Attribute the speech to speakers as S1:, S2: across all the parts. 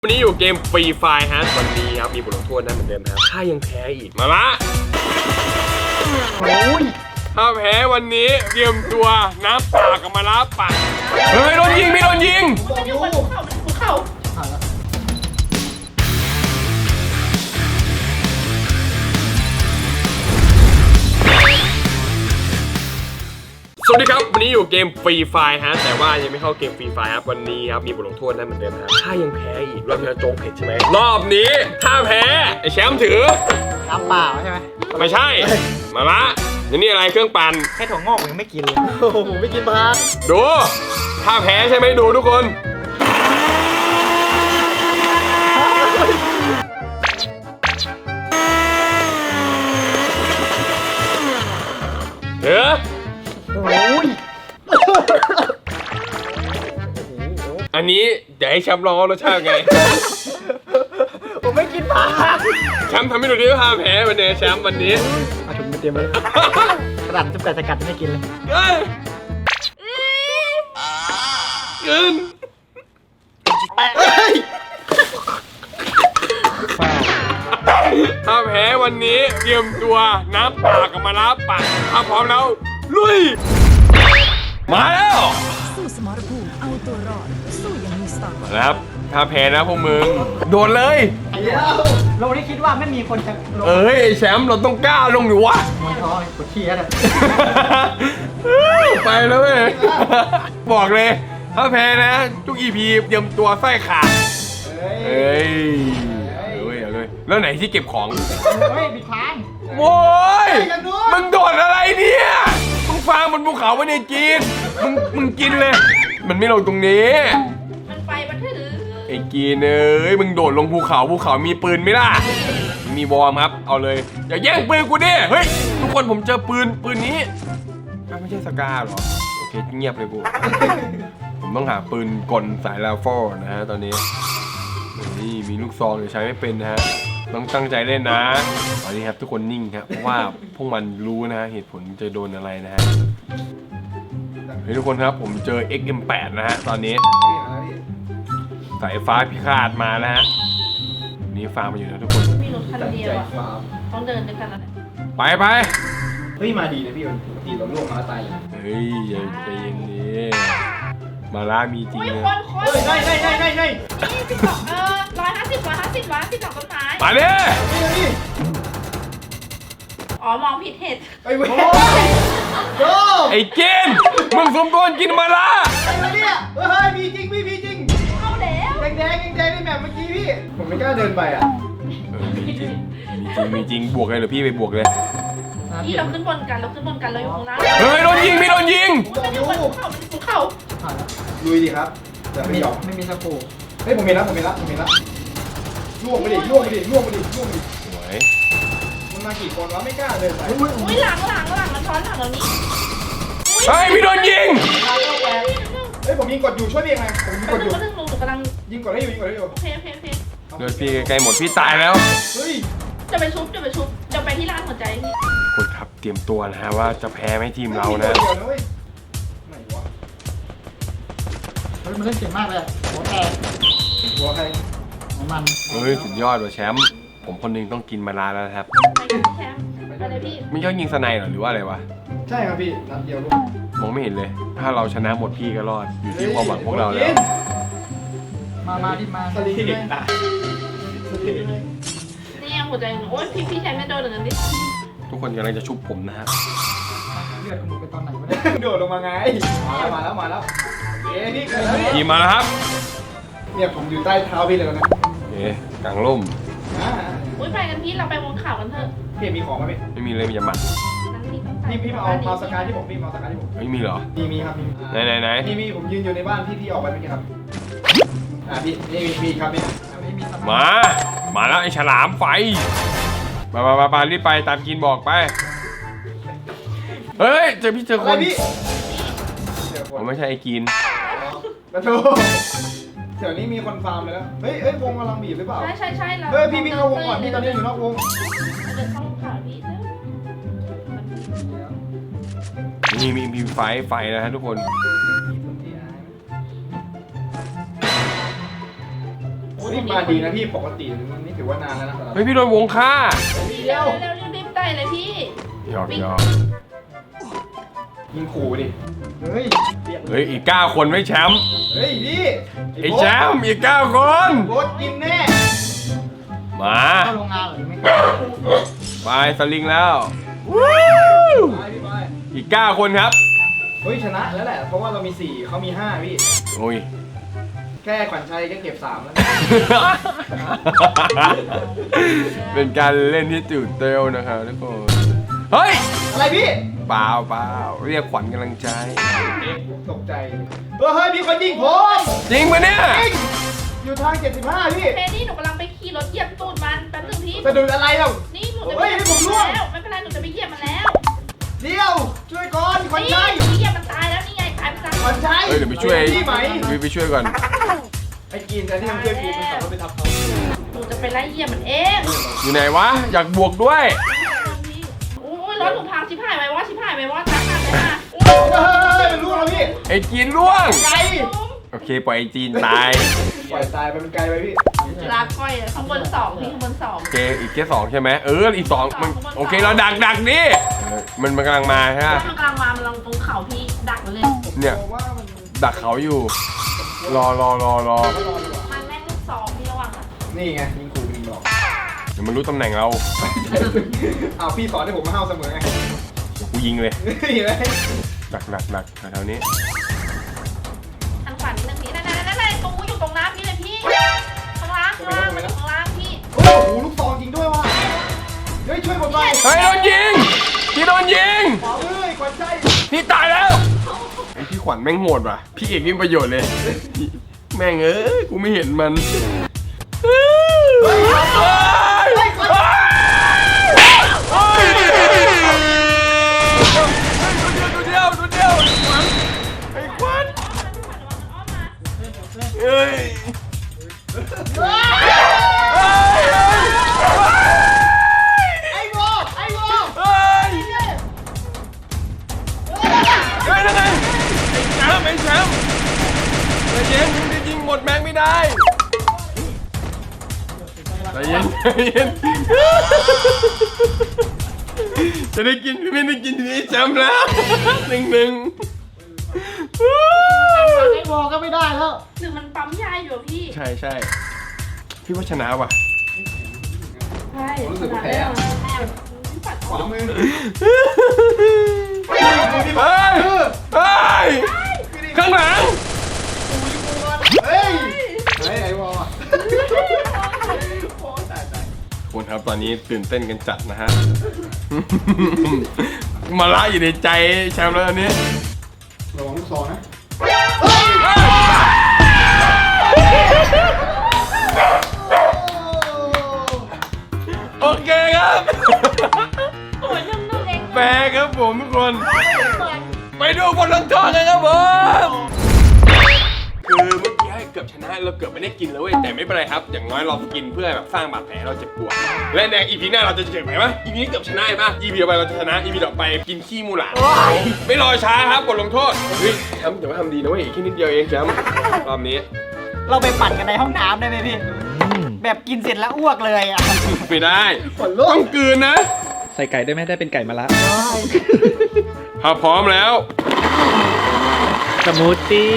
S1: วันนี้อยู่เกมฟรีไฟร์ฮะวันนี้ครับมีบทลงโทษนะเหมือนเดิมครับถ้ายังแพ้อีกมาละถ้าแพ้วันนี้เตรียมตัวน้ำปากกับมาละปากเฮ้ยโดนยิงไม่โดนยิง
S2: มันอยู่บนภูเขา
S1: สวัสดีครับวันนี้อยู่เกมฟรีไฟร์ฮะแต่ว่ายังไม่เข้าเกมฟรีไฟร์ครับวันนี้ครับมีบทลงโทษนะเหมือนเดิมครับถ้ายังแพ้อีกรอบนี้โจ๊กเผ็ดใช่ไหมรอบนี้ถ้าแพ้ไอ้แชมป์ถือ
S3: น้ำเปล่าใช่ไหม
S1: ไม่ใช่มาละนี่อะไรเครื่องปั่น
S3: แค่ถั่วงอกยังไม่กินเลยโอ้โหไม่กินผัก
S1: ดูถ้าแพ้ใช่ไหมดูทุกคนเฮ้ย
S3: โอ้ย
S1: อันนี้เดี๋ยวให้แชมป์ลองรสชาติไง
S3: ผมไม่กินผัก
S1: แชมป์ทำให้ดูดิว่าถ้าแพ้วันนี้แชมป์วันนี้
S3: เอาถุงมาเตรียมไว้กระดาษจะแปะสกัดไม่กินเลย
S1: กินถ้าแพ้วันนี้เตรียมตัวน้ำปากกับมาละปากถ้าพร้อมแล้วลุยมาแล้ว
S4: สู้สมรภูมิเอาตัวรอดสู้อย่างมีสไตล์
S1: ครับถ้าแพ้นะพวกมึงโดนเลย
S3: เราที่คิดว่าไม่มีคนจะ
S1: เอ้ยแชมป์เราต้องกล้าลงอยู่วะ
S3: ไม่ท้อปวดขี้แล้ว
S1: ไปแล้วเว้ยบอกเลยถ้าแพ้นะทุก EP เตรียมตัวไส้ขาดเฮ้ยเอาเลยแล้วไหนที่เก็บของ
S3: เฮ้ยบิดทาง
S1: โว้ยมึงโดดอะไรเนี่ยมึงฟางบนภูเขาไม่ได้กินมึงกินเลยมันไม่ลงตรงนี้
S2: มันไปมันถือ
S1: ไอ้กินเอ้ยมึงโดดลงภูเขามีปืนไหมล่ะมีวอร์มครับเอาเลยอย่าแย่งปืนกูดิเฮ้ยทุกคนผมเจอปืนนี้ไม่ใช่สกาหรอโอเคเงียบเลยกูผมต้องหาปืนกลสายราฟอลนะฮะตอนนี้นี่มีลูกซองใช้ไม่เป็นนะฮะต้องตั้งใจเล่นนะตอนนี้ครับทุกคนนิ่งครับเพราะว่าพวกมันรู้นะฮะเหตุผลจะโดนอะไรนะฮะเฮ้ยทุกคนครับผมเจอ XM8 นะฮะตอนนี้สายฟ้าพิฆาตมานะฮะนี่ฟาร์มมาอยู่นะทุกคน
S2: มีรถคันเดียวอ่ะต้องเดินด้วยกันแล้ว
S1: ไป
S3: เฮ้ยมาดีนะพี่ปกติเราล่วงมาตายเลย
S1: เฮ้ยใจเย็นดิมาล่ามีจริงเลย
S3: ได้
S2: นี่12150หลังต้นไม้
S1: มาดิ
S2: อ๋อมองผิดเหตุ
S3: ไอ้เว้ย
S1: ไอ้กินมึงสมควรกินมาล่า
S3: อะไรเนี่ยเฮ้ยมีจริงพี่จริง
S2: เข้าแล้ว
S3: แดงในแบบเมื่อกี้พี่ผมไม่กล้าเดินไปอ่ะ
S1: มีจริงบวกเลยหรือพี่ไปบวกเลย
S2: พี่เราขึ้นบนกันเราอยู่ข้างล่าง
S1: เฮ้ยโดนยิงไม่โดนยิง
S2: มันอยู่บนภูเขา
S3: ลุยดีครับแต่ไม่ยอมไม่มีสกูเฮ้ยผมเห็นแล้วล่วงไปดิสวยมันมากี่คนวะไม่กล้าเดินไป
S2: อุ้ยหลังมันช้อนหลังเรานี้
S1: เฮ้ยพี่โดนยิง
S3: เฮ้ยผมยิงกดอยู่ช่วยพี่ยังไงผมยิงกดอยู่
S2: กำลัง
S3: ยิงกดให้อยู่
S2: โอเค
S1: เลือดพี่ใกล้หมดพี่ตายแล้ว
S3: เฮ้ย
S2: จะไปชุบจะไปที่ร้านหัวใจพี่
S1: คนครับเตรียมตัวนะฮะว่าจะแพ้ไหมทีมเรานะ
S3: ไหนวะเฮ้ยมันเล่นเก่งมากเลยหัวใครของมัน
S1: เฮ้ยสุดยอดว่ะแชมป์ผมคนนึงต้องกินมาลาแล้วครับ
S2: แชมป์อะไรพี่
S1: ไม่ชอบยิงสไนหรอหรือว่าอะไรวะ
S3: ใช่ครับพี่นัดเดียวลูก
S1: มองไม่เห็นเลยถ้าเราชนะหมดพี่ก็รอดอยู่ที่ความหวังพวกเราแล้ว
S3: มาดิมาสลิงตา
S2: นี่ยังหัวใจโอ้ยพี่แชมป์ไม่โดนเลยดิ
S1: ทุกคนกำลังจะชุบผมนะฮะ
S3: เลือดมึงไปตอนไหนวะเนี่ยโดดลงมาไงมาแล้วเอ๊ะนี่
S1: ยิงมาแล้วครับ
S3: เนี่ยผมอยู่ใต้เท้าพี่เลยนะ
S1: เอ๊ะกลางร่ม
S2: อุ้ยไปกันพี่เราไปวงข่าวกันเถอะ
S3: พี่มีของไหมพี่
S1: ไม่มีเลยมีแต่หมัด
S3: พี่มาเอาสกายที่ผม
S1: ไม่มีเหรอ
S3: มีครับ
S1: ไหน
S3: มีผมยืนอยู่ในบ้านพี่ออกไปเมื่อกี้ครับพี่มีครับนี่
S1: มาแล้วไอ้ฉลามไฟมารีบไปตามกินบอกไปเฮ้ยเจอคนผมไม่ใช่ไอ้กิน
S3: ประตูเดี๋ยวนี้มีคนฟาร์มไปแล้วเฮ้ยวงกำลังบีบหรือเปล่า
S2: ใช่
S3: เฮ้ยพี่เข้าวงก่อนพี่ตอนนี้อยู่นอกวง
S2: เดินเข้าวงข่าวพี่
S1: มีไฟนะฮะทุกคน
S3: นี่มาดีนะพี่ปกตินี่ถือว่านานแล้วนะ
S1: เฮ้ยพี่โดนวงฆ่า
S2: พี่เร็วรีบไต่เลยพี่
S1: หยอก
S3: ยิงขู่ดิเฮ้ย
S1: เฮ้ยอีก9คนไม่แชมป์
S3: เฮ้ยพี่
S1: ไอ้แชมป์อีก9คน
S3: โบสกินแน่
S1: มา
S3: เข้าโรงงานหรือไม่
S1: ไปสลิงแล้ว
S3: ไปพี่ไป
S1: อีก9คนครับ
S3: เฮ้ยชนะแล้วแหละเพราะว่าเรามี4เขามี5พี่
S1: โอ้ย
S3: แค่ขวัญชัยก็เก็บ3แล้ว
S1: เป็นการเล่นที่ตื่นเต้นนะครับทุกคน เฮ้ย
S3: อะไรพี่
S1: เปล่าเรียกขวัญกำลังใจ
S3: ตกใจเฮ้ยมีคนยิงผม
S1: จริงปะเนี่ย
S3: อยู่ทาง75พี่
S2: เพนี่หนูกำลังไปขี่รถเหยียบตูดมันแป๊บนึงพี่
S3: สะดุดอะไรเรา
S2: นี่หนูจะไปเหยียบมันแล้วไม่เป็นไรหนูจะไปเหยียบมันแล้ว
S3: เดี๋ยวช่วยก่อนขวัญชัย
S2: นี่เหยียบมันตายแล้วนี่ไงตายไปซะ
S3: ขวัญชัย
S1: เฮ้ยเดี๋ยวไปช่วย
S3: พี่ไหม
S1: ไปช่วยก่อน
S3: ไอ้กินแต่ที่มันช่วยกูมันขับรถไปทับเขา
S2: หนูจะไปไล่เหยียบมันเอง
S1: อยู่ไหนวะ อยากบวกด้วย
S2: โอ้ยรถหนูพังชิบหายไหมวะชิบหายไหมวะตายไปมา
S3: เฮ้ยเป็นลูกเราพี่
S1: ไอ้จีนล่วง
S3: ไกล
S1: โอเคปล่อยไอ้จีนตาย
S3: ปล่อยตายไปมันไกลไปพี่
S2: ลาก้อยข้างบน2พี่ข้างบน2
S1: โอเคอีกแค่2ใช่ไหมอีก2มันโอเคเราดักนี่มันกำลังมาใช่ไหม
S2: มันกำลังมามันลงตรงเขาพี่ดักมันเลย
S1: เนี่ย
S3: บอกว่ามัน
S1: ดักเขาอยู่ รอ
S2: มันแม่งลูก2พี่ระวังอ่ะ
S3: นี่ไงยิงขู่ยิงหลอก
S1: เดี๋ยวมันรู้ตำแหน่งเรา
S3: อ้าวพี่สอนให้ผมมาเฮาเสมอไง
S1: เดี๋ยวกูยิงเลย
S3: เห็นไหม
S1: ดักแถวนี้
S2: ทางขวานิดนึงพี่นั่นตรงอยู่ตรงน้ำพี่เลยพี่ข้างล่างมันอยู่ข้างล่างพี่
S3: โอ้โหลูกซองจริงด้วยว่ะเฮ้ยช่วยผมหน่อย
S1: เฮ้ยโดนยิงพี่โดนยิง
S3: เฮ้ยขวัญใจ
S1: พี่ตายแล้วไอพี่ขวัญแม่งโหดว่ะพี่เอกนี่มีประโยชน์เลยแม่งเอ้ยกูไม่เห็นมันตัวเดียวไอ้ขวัญเฮ้ย
S3: ไอ้โว
S1: เฮ้ยนั่นไงไอ้แชมป์ใจเย็นมึงจะยิงหมดแม็กไม่ได้ใจเย็นจะได้กินไม่ได้กินทีนี้แชมป์แล้ว1-1
S3: ไอ้โวก็ไม่ได้แล้ว
S2: หรือมันปั๊มยาอยู่พี่
S1: ใช่พี่ว่าชนะว่ะ
S2: ใช่
S3: รู้สึกว่าแพ้ ขวามือ
S1: เฮ้ยข้างหลัง
S3: เฮ้ยไอ้โวโอ้ตาย
S1: คุณครับตอนนี้ตื่นเต้นกันจัดนะฮะ มาละอยู่ในใจแชมป์แล้วตอนนี้
S3: ระวังลูกซองนะ
S1: โอเคครับ
S2: โอ้ยนุ่มๆเอง
S1: แปลครับผมทุกคน ไปดูบทลงโทษกันครับผม คือเมื่อกี้ให้เกือบชนะเราเกือบไม่ได้กินเลยเว้ยแต่ไม่เป็นไรครับอย่างน้อยเรากินเพื่อแบบสร้างบาดแผลเราเจ็บปวดและในอีพีหน้าเราจะเจ็บไหมวะอีพีนี้เกือบชนะป่ะอีพีต่อไปเราจะชนะอีพีต่อไปกินขี้มูหลาดไม่รอช้าครับบทลงโทษเฮ้ยแชมป์อย่าว่าทำดีนะเว้ยแค่นิดเดียวเองแชมป์รอบนี้
S5: เราไปปั่นกันในห้องน้ำได้ไหมพี่ แบบกินเสร็จแล้วอ้วกเลยอ่ะ
S1: ไม่ได้ต้องกลืนนะ
S6: ใส่ไก่ได้ไหมได้เป็นไก่มะระ
S1: ถ้าพร้อมแล้ว
S6: สมูทตี้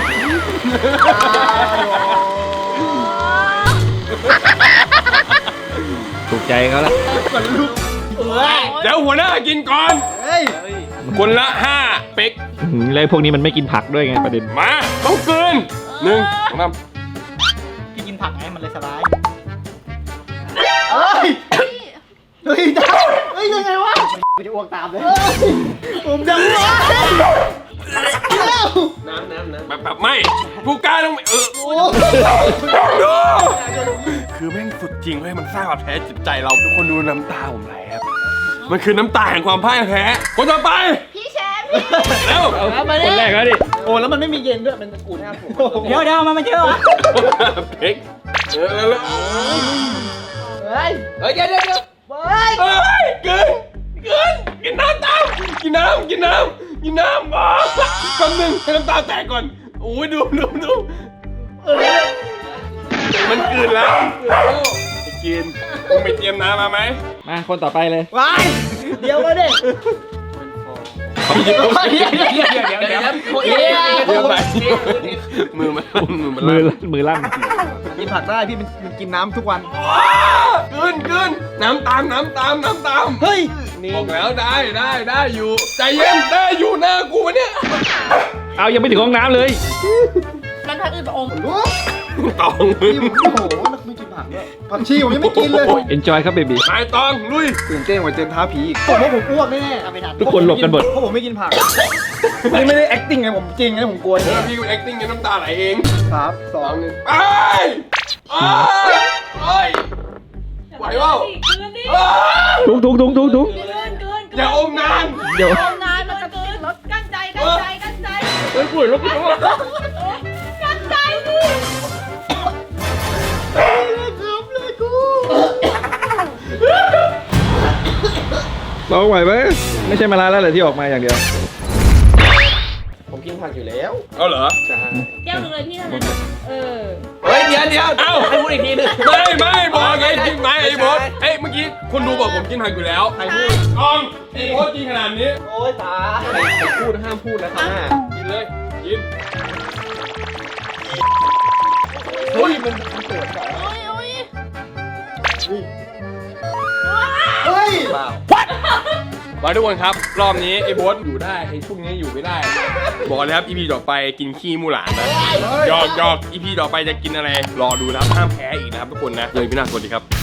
S6: ถูกใจเขาละ
S1: เดี๋ยวหัวหน้ากินก่อน
S3: เฮ้ย
S1: คนละ5เป๊ก
S6: แล้วพวกนี้มันไม่กินผักด้วยไงประเด็น
S1: มาต้องกลืน1 2 3
S5: พี่กินผักไงมันเลยสบาย
S3: เฮ้ยเฮ้ยจ้าเฮ้ยยังไงวะ
S5: ไม่ได้อ้วกตามเลย
S3: ผมจะอ้วก
S1: แบบไม่ผู้กล้าต้องดูคือแม่งสุดจริงเว้ยมันสร้างบาดแผลจิตใจเราทุกคนดูน้ำตาผมไหลครับมันคือน้ำตาแห่งความพ่ายแพ้คนต่อไป
S2: พี่แชมป์
S1: เร็ว
S6: เอาคนแรกแล้วดิ
S3: โอ้แล้วมันไม่มีเย็นด้วยมันกูแทบผม
S5: เดี๋ยวมันเยอะวะ
S1: เพ็กแล้ว
S3: เฮ้ย
S1: เฮ้ยเดี๋ยวกินน้ำตามกินน้ำก่อนคำหนึ่งให้น้ำตาแตกก่อนโอ้ยดูมันกลืนแล้วไปกินมึงไปเตรียมน้ำมาไหม
S6: มาคนต่อไปเลย
S5: ว้ายเดี๋ยวมาดิ
S1: เขาหยิบ
S5: เดี๋ยว
S1: เดี๋ยวไปมือมันมือมัน
S6: มือลั่น
S5: กินผักได้พี่มันกินน้ำทุกวัน
S1: กลืนน้ำตาม
S5: เฮ้ย
S1: บอกแล้วได้อยู่ใจเย็นได้อยู่หน้ากูวะเนี่ย
S6: เอายังไม่ถึงห้องน้ำเลย
S2: มันพักอื่นไปอม
S3: รู้
S1: ตอง
S3: พี่โอ้โหนักไม่กินผักด้วยผักชีผมยังไม่กินเลย
S6: enjoy ครับเบบี
S1: ไปตองลุย
S3: ตื่นเต้นกว่าเจนท้าผีอีกผมว่าผมอ้วกแน่
S5: เอาไปทัน
S6: ทุกคนหลบกันหมด
S3: เพราะผมไม่กินผักนี่ไม่ได้ acting ไงผมจริงไงผมกลัว
S1: พี่กู acting กันน้ำตาไหลเอง
S3: 3 2 1
S1: ไปไหวเปล่า
S2: เกินดิ
S6: ทุก
S2: เกิน
S1: อย่าอมนาน
S6: เดี๋ยว
S2: อมนานมันจะเกินรถกั้นใจ
S1: เฮ้ยป่วยแล้วกู
S2: กั้นใจดิ
S6: ลองไหวไหมไม่ใช่มาลาแล้วเหรอที่ออกมาอย่างเดียว
S3: ผมกินผักอยู่แล้ว
S1: เอาเหรอ
S2: แก้วหนึ่งเลยพี่เท่านั้นเออ
S1: เฮ้ยเดี๋ยวเอ้าให้พูดอีกทีนึงไม่บอกไงกินไหมไอ้บอสเอ้ยเมื่อกี้คนดูบอกผมกินผักอยู่แล้ว
S3: ใครพูด
S1: ตองไอ้บอสกินขนาดนี้
S3: โอ๊ยตาใครพูดห้ามพูดนะครับ
S1: กินเลยกิน
S3: เฮ้ยมันเปิดก่อน
S2: โอ้ย
S3: เฮ้ย
S1: มาทุกคนครับรอบนี้ไอ้บอสอยู่ได้ไอ้พวกนี้อยู่ไม่ได้ บอกเลยครับ EP ต่อไปกินขี้มูหลานนะหยอก EP ต่อไปจะกินอะไรรอดูนะครับห้ามแพ้อีกนะครับทุกคนนะเลยพี่นาสวัสดีครับ